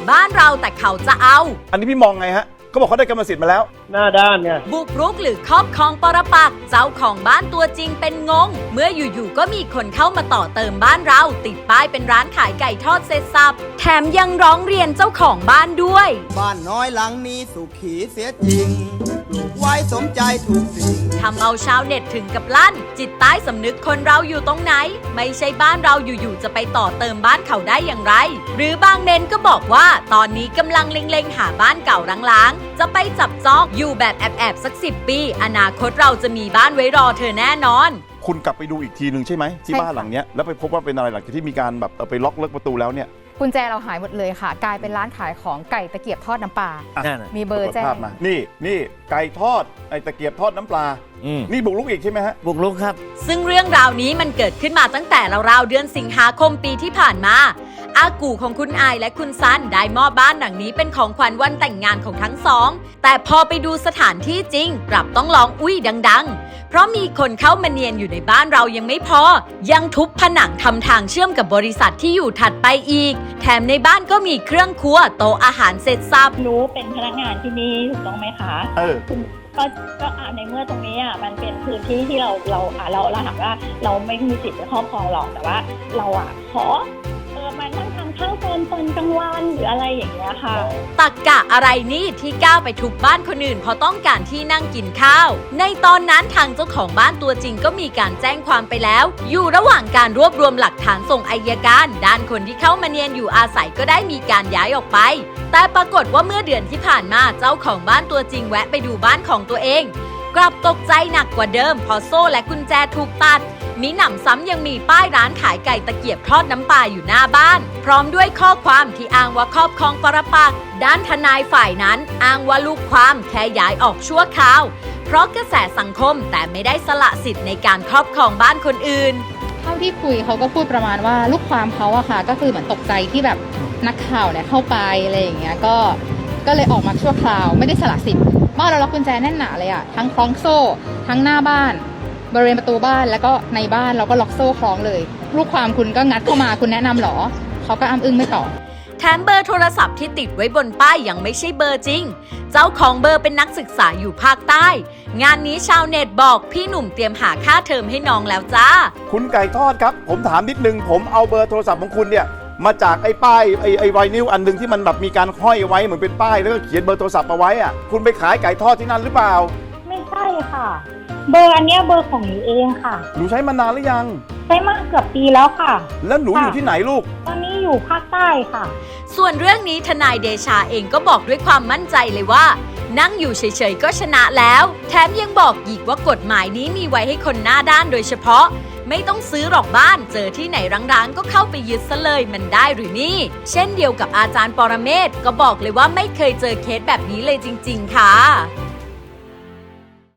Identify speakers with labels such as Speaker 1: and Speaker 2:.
Speaker 1: บ้านเราแต่เขาจะเอา
Speaker 2: อันนี้พี่มองไงฮะเขาบอกเขาได้กรรมสิทธิ์มาแล้ว
Speaker 3: หน้าด้านไง
Speaker 1: บุกรุกหรือครอบครองปรปักษ์เจ้าของบ้านตัวจริงเป็นงงเมื่ออยู่ๆก็มีคนเข้ามาต่อเติมบ้านเราติดป้ายเป็นร้านขายไก่ทอดเสร็จสับแถมยังร้องเรียนเจ้าของบ้านด้วย
Speaker 4: บ้านน้อยหลังนี้สุขีเสียจริงปลูกไว้สมใจถูกสิ่ง
Speaker 1: ทำเอาชาวเน็ตถึงกับลั่นจิตใต้สำนึกคนเราอยู่ตรงไหนไม่ใช่บ้านเราอยู่ๆจะไปต่อเติมบ้านเขาได้อย่างไรหรือบางเมนก็บอกว่าตอนนี้กำลังเล็งๆหาบ้านเก่าร้างๆจะไปจับจองอยู่แบบแอบๆสัก10 ปีอนาคตเราจะมีบ้านไว้รอเธอแน่นอน
Speaker 2: คุณกลับไปดูอีกทีหนึ่งใช่ไหมที่บ้านหลังเนี้ยแล้วไปพบว่าเป็นอะไรหลังจากที่มีการแบบไปล็อกเลิกประตูแล้วเนี่ย
Speaker 5: กุญแจเราหายหมดเลยค่ะกลายเป็นร้านขายของไก่ตะเกียบทอดน้ำปลามีเบอร์แจ้ง
Speaker 2: มานี่ไก่ทอดไอ้ตะเกียบทอดน้ำปลานี่บุกรุกอีกใช่ไหมฮะ
Speaker 3: บุกรุกครับ
Speaker 1: ซึ่งเรื่องราวนี้มันเกิดขึ้นมาตั้งแต่ราวๆเดือนสิงหาคมปีที่ผ่านมาอากูของคุณอายและคุณซันได้มอบบ้านหลังนี้เป็นของขวัญวันแต่งงานของทั้งสองแต่พอไปดูสถานที่จริงกลับต้องร้องอุ้ยดังๆเพราะมีคนเข้ามาเนียนอยู่ในบ้านเรายังไม่พอยังทุบผนังทำทางเชื่อมกับบริษัทที่อยู่ถัดไปอีกแถมในบ้านก็มีเครื่องครัวโต๊ะอาหารเสร็จสับ
Speaker 6: หนูเป็นพนักงานที่นี่ถูกต้องไหมคะก็ในเมื่อตรงนี้มันเป็นพื้นที่ที่เราถามว่าเราไม่มีสิทธิ์จะครอบครองหรอกแต่ว่าเราขอมานั่งทำข้าวตอนกลางวันหรืออะไรอย่างเงี้ยค่ะ
Speaker 1: ตักกะอะไรนี่ที่ก้าวไปทุบบ้านคนอื่นเพราะต้องการที่นั่งกินข้าวในตอนนั้นทางเจ้าของบ้านตัวจริงก็มีการแจ้งความไปแล้วอยู่ระหว่างการรวบรวมหลักฐานส่งอัยการด้านคนที่เข้ามาเนียนอยู่อาศัยก็ได้มีการย้ายออกไปแต่ปรากฏว่าเมื่อเดือนที่ผ่านมาเจ้าของบ้านตัวจริงแวะไปดูบ้านของตัวเองกลับตกใจหนักกว่าเดิมพอโซ่และกุญแจถูกตัดมีหนำซ้ำยังมีป้ายร้านขายไก่ตะเกียบทอดน้ำปลาอยู่หน้าบ้านพร้อมด้วยข้อความที่อ้างว่าครอบครองปรปักษ์ด้านทนายฝ่ายนั้นอ้างว่าลูกความแค่ย้ายออกชั่วคราวเพราะกระแสสังคมแต่ไม่ได้สละสิทธิ์ในการครอบครองบ้านคนอื่น
Speaker 5: เท่าที่คุยเขาก็พูดประมาณว่าลูกความเขาอะค่ะก็คือเหมือนตกใจที่แบบนักข่าวเนี่ยเข้าไปอะไรอย่างเงี้ยก็เลยออกมาชั่วคราวไม่ได้สละสิทธิ์บ้านเราล็อกกุญแจแน่นหนาเลยอะทั้งคล้องโซ่ทั้งหน้าบ้านบริเวณประตูบ้านแล้วก็ในบ้านเราก็ล็อกโซ่คล้องเลยลูกความคุณก็งัดเข้ามาคุณแนะนำหรอเขาก็อ้ำอึ้งไม่ตอบ
Speaker 1: แถมเบอร์โทรศัพท์ที่ติดไว้บนป้ายยังไม่ใช่เบอร์จริงเจ้าของเบอร์เป็นนักศึกษาอยู่ภาคใต้งานนี้ชาวเน็ตบอกพี่หนุ่มเตรียมหาค่าเทอมให้น้องแล้วจ้า
Speaker 2: คุณไก่ทอดครับผมถามนิดนึงผมเอาเบอร์โทรศัพท์ของคุณเนี่ยมาจากไอ้ป้ายไอ้ไวนิลอันนึงที่มันแบบมีการห้อยไว้เหมือนเป็นป้ายแล้วก็เขียนเบอร์โทรศัพท์เอาไว้อะคุณไปขายไก่ทอดที่นั่นหรือเปล่า
Speaker 6: ไม่ใช่ค่ะเบอร์อันนี้เบอร์ของหนูเองค่ะ
Speaker 2: หนูใช้มานานหรือยัง
Speaker 6: ใช้มาเกือบปีแล้วค่ะ
Speaker 2: แล้วหนูอยู่ที่ไหนลูก
Speaker 6: ตอนนี้อยู่ภาคใต้ค่ะ
Speaker 1: ส่วนเรื่องนี้ทนายเดชาเองก็บอกด้วยความมั่นใจเลยว่านั่งอยู่เฉยๆก็ชนะแล้วแถมยังบอกอีกว่ากฎหมายนี้มีไว้ให้คนหน้าด้านโดยเฉพาะไม่ต้องซื้อหรอกบ้านเจอที่ไหนร้างๆก็เข้าไปยึดซะเลยมันได้หรือนี่เช่นเดียวกับอาจารย์ปรเมศก็บอกเลยว่าไม่เคยเจอเคสแบบนี้เลยจริงๆค่ะ